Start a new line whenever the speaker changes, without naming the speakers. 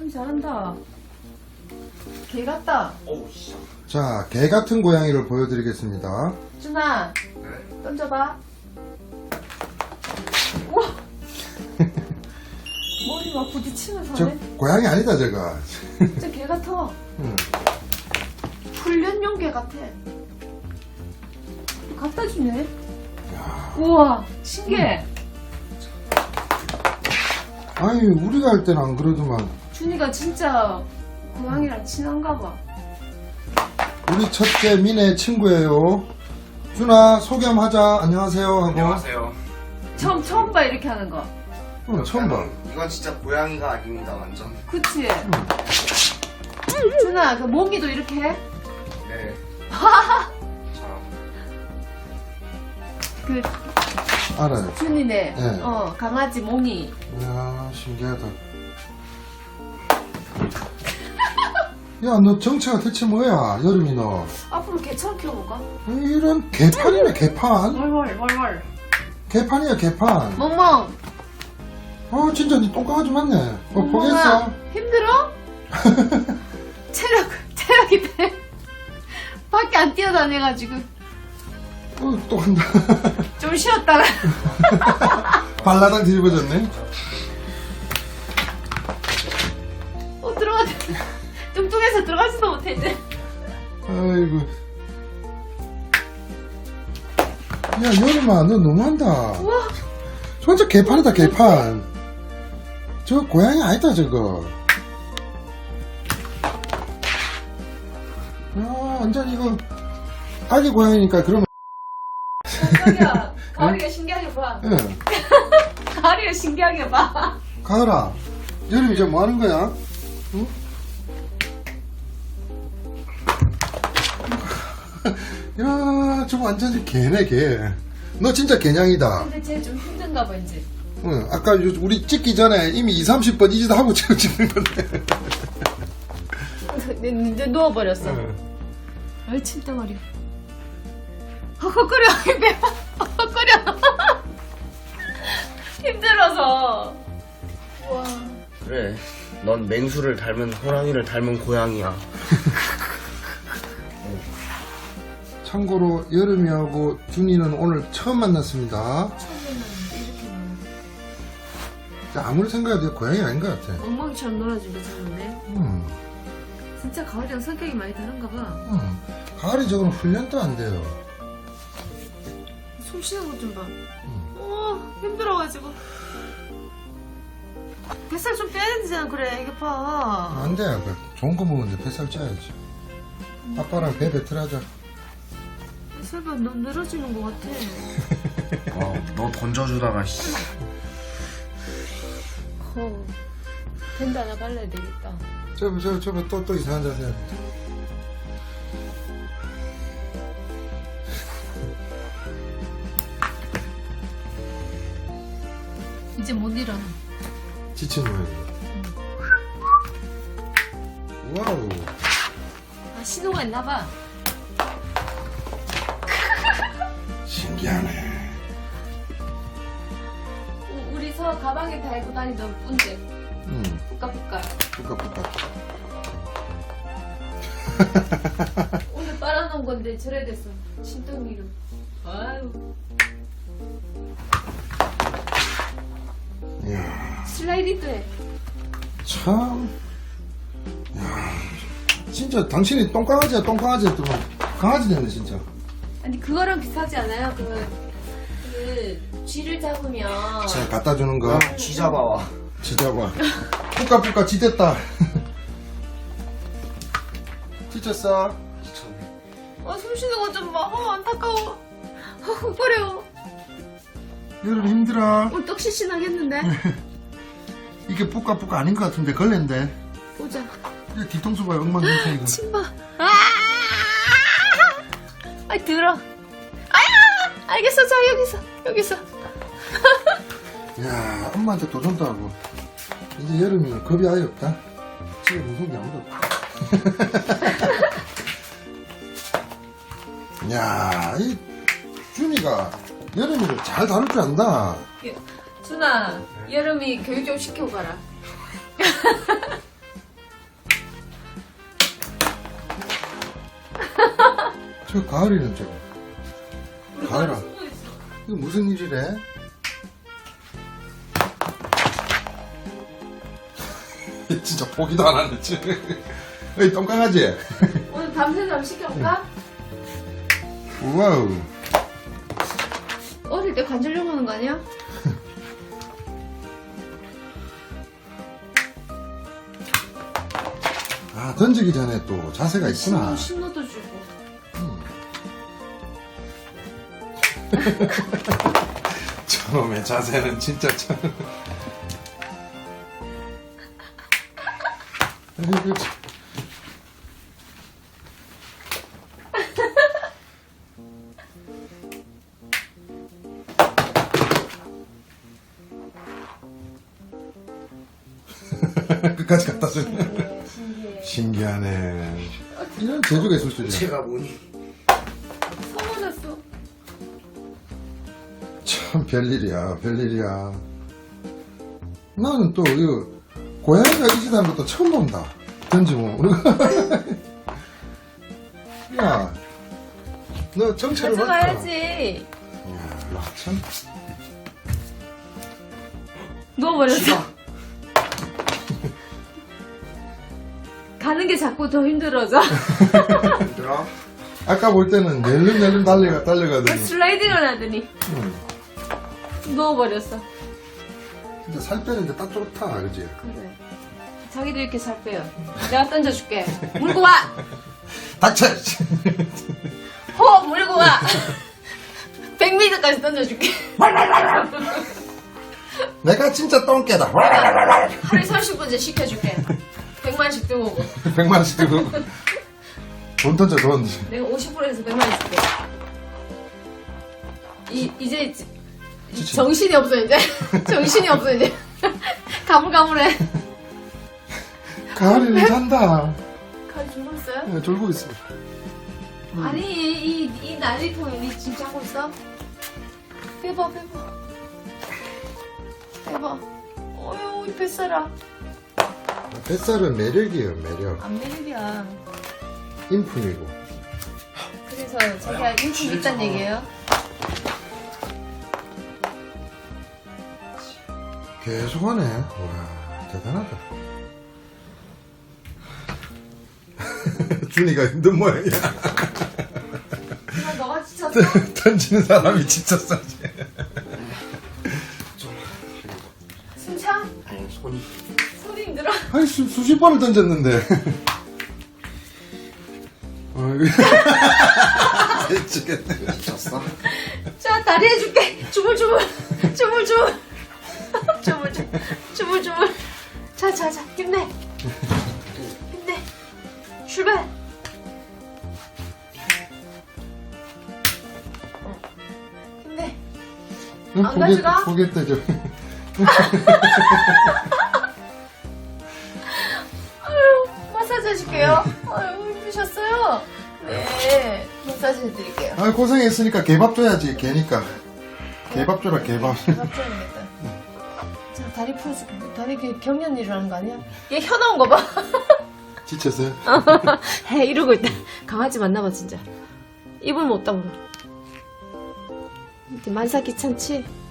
준이 잘한다. 개 같다.
어우, 씨.
자, 개 같은 고양이를 보여드리겠습니다.
준아,
네?
던져봐. 우와! 머리 막 부딪히면서
저
하네.
고양이 아니다, 저거.
진짜 개 같아.
응.
훈련용 개 같아. 갖다 주네.
야.
우와, 신기해.
아니, 우리가 할 때는 안 그러더만.
준이가 진짜 고양이랑 친한가 봐.
우리 첫째 민의 친구예요. 준아, 소개 한번 하자. 안녕하세요. 하고.
안녕하세요.
처음 봐, 이렇게 하는 거.
응, 처음 봐.
이건 진짜 고양이가 아닙니다, 완전.
그치? 준아, 그 몽이도 이렇게 해?
네. 자,
그,
알아요.
준이네.
네.
강아지 몽이.
이야, 신기하다. 야, 너 정체가 대체 뭐야, 여름이 너.
앞으로 개처럼 키워볼까?
이런 개판이네, 개판.
월월.
개판이야, 개판.
멍멍.
진짜 니 똥강아지 맞네.
멍멍아,
포기했어?
힘들어? 체력이 돼. 밖에 안 뛰어다녀가지고.
또 간다.
좀 쉬었다가.
발라당 뒤집어졌네.
들어가자. 뚱뚱해서 들어가지도 못해, 이제.
아이고. 야, 여름아, 너 너무한다.
우와.
진짜 개판이다, 개판. 저 고양이 아니다, 저거. 야, 완전 이거, 아기 고양이니까 그러면,
깜짝이야. 가을이가 신기하게 봐.
예.
가을이가 신기하게 봐.
가을아, 여름이 저 뭐 하는 거야? 응? 야, 저거 완전히 개네, 개. 너 진짜 개냥이다.
근데 쟤 좀 힘든가 봐, 이제.
응, 아까 우리 찍기 전에 이미 20-30번 이 짓 하고 지금 찍는 건데.
이제 누워버렸어. 아이, 침덩어리. 헉헉거려, 배 헉헉거려. 힘들어서. 우와.
그래. 넌 맹수를 닮은 호랑이를 닮은 고양이야.
참고로 여름이하고 준이는 오늘 처음 만났습니다.
처음에는 이렇게
아무리 생각해도 고양이 아닌 것 같아.
엉망이처럼 놀아주게 생겼네. 진짜 가을이랑 성격이 많이 다른가 봐.
가을이 저거는 훈련도 안 돼요.
숨 쉬는 것 좀 봐. 힘들어가지고. 뱃살 좀 빼야 되잖아, 그래. 이게 봐.
안 돼. 좋은 거 먹는데 뱃살 쪄야지. 아빠랑 배 배틀하자.
뱃살가 너무 늘어지는 것 같아.
너 던져주다가, 씨.
밴드 하나 발라야 되겠다.
저거 또 이상한 자세 해야 돼.
이제 못 일어나.
지친 모양이. 와우.
신호가 있나봐.
신기하네.
우리 서 가방에 달고 다니던 꾼데. 뿌까뿌까.
뿌까뿌까.
오늘 빨아놓은 건데 저래 됐어. 신덩이로. 아유.
이야,
슬라이딩도 해.
참. 야, 진짜 당신이 똥강아지야, 똥강아지 했더만 강아지 됐네, 진짜.
아니 그거랑 비슷하지 않아요? 그 쥐를 잡으면
자, 갖다 주는 거.
쥐 잡아와.
지자봐. 뿌까뿌까 지됐다. 지쳤어?
미쳤네.
숨 쉬는 거 좀 봐. 안타까워. 헉헉거려.
여름 힘들어.
오늘 떡시신하겠는데?
이게 뿌까뿌까 아닌 것 같은데 걸렌데.
보자.
이 뒤통수 봐요, 엉망진창이고.
침봐. 아이 들어. 알겠어. 자 여기서.
야, 엄마한테 도전도 하고. 이제 여름이 겁이 아예 없다. 집에 무서운 게 아무도 없다. 야, 이 준이가 여름이를 잘 다룰 줄 안다.
준아, 여름이 교육 좀 시켜가라.
저 가을이는 저거.
우리
가을아.
가을에 숨어 있어.
이거 무슨 일이래? 진짜 포기도 안 하네, 지금. 어이, 똥강아지.
오늘 밤새 좀 시켜볼까?
우와우.
어릴 때 관절염 하는 거 아니야?
아, 던지기 전에 또 자세가 있구나.
신호도 주고.
저놈의 자세는 진짜 참. 아이고, 참. 끝까지 갖다 주네. 신기하네. 이런 재주가 있을 줄이야.
제가 보니
서운했어.
참 별일이야, 별일이야. 나는 또 이거 고양이가 이 짓 하는 것도 처음 본다. 던지면 우리가. 야, 너 정체를 봤다.
가져가야지.
야, 참.
누워버렸어. 가는 게 자꾸 더 힘들어져.
힘들어?
아까 볼 때는 낼름낼름 달려가더니.
슬라이딩을 하더니
응.
누워버렸어.
진짜 살 빼는데 딱 좋다, 그지?
그래. 자기도 이렇게 살 빼요. 내가 던져줄게. 물고 와!
닥쳐!
호! 물고 와! 100m까지 던져줄게.
내가 진짜 똥개다.
하루에 30분째 시켜줄게. 100만씩 들고 오고.
100만원씩 들고. 돈 던져, 돈.
내가 50%에서 100만 줄게. 이제 정신이 없어 이제. 정신이 없어 이제. 가물가물해.
가을이는 잔다.
가을 졸고 있어요?
네, 졸고 있어.
아니 이 난리통에 니 지금 자고 있어? 빼봐. 어휴 우리 뱃살아.
뱃살은 매력이에요, 매력.
안 매력이야.
인품이고.
그래서 자기가 인품 있단 얘기예요?
계속하네. 와, 대단하다. 준이가 힘든 모양이야.
그만 너가 지쳤어?
던지는 사람이 지쳤어.
숨차?
아니 손이
손이 힘들어?
아니, 수십 번을 던졌는데. 어이구. 미치겠네.
미쳤어?
자 다리 해줄게. 주물주물. 자 힘내. 출발. 힘내. 안 가져가?
포기했다, 저.
아유, 마사지 해줄게요. 아유, 힘드셨어요? 네, 마사지 해드릴게요.
아, 고생했으니까 개밥 줘야지, 개니까. 개밥 줘라, 개밥.
밥 줘야겠다. 자, 다리 풀어줄게. 다리 경련 일어나는 거 아니야? 얘 혀 나온 거 봐.
지쳤어요?
해, 이러고 있다. 강아지 만나봐, 진짜. 입을 못 다물어. 만사 귀찮지?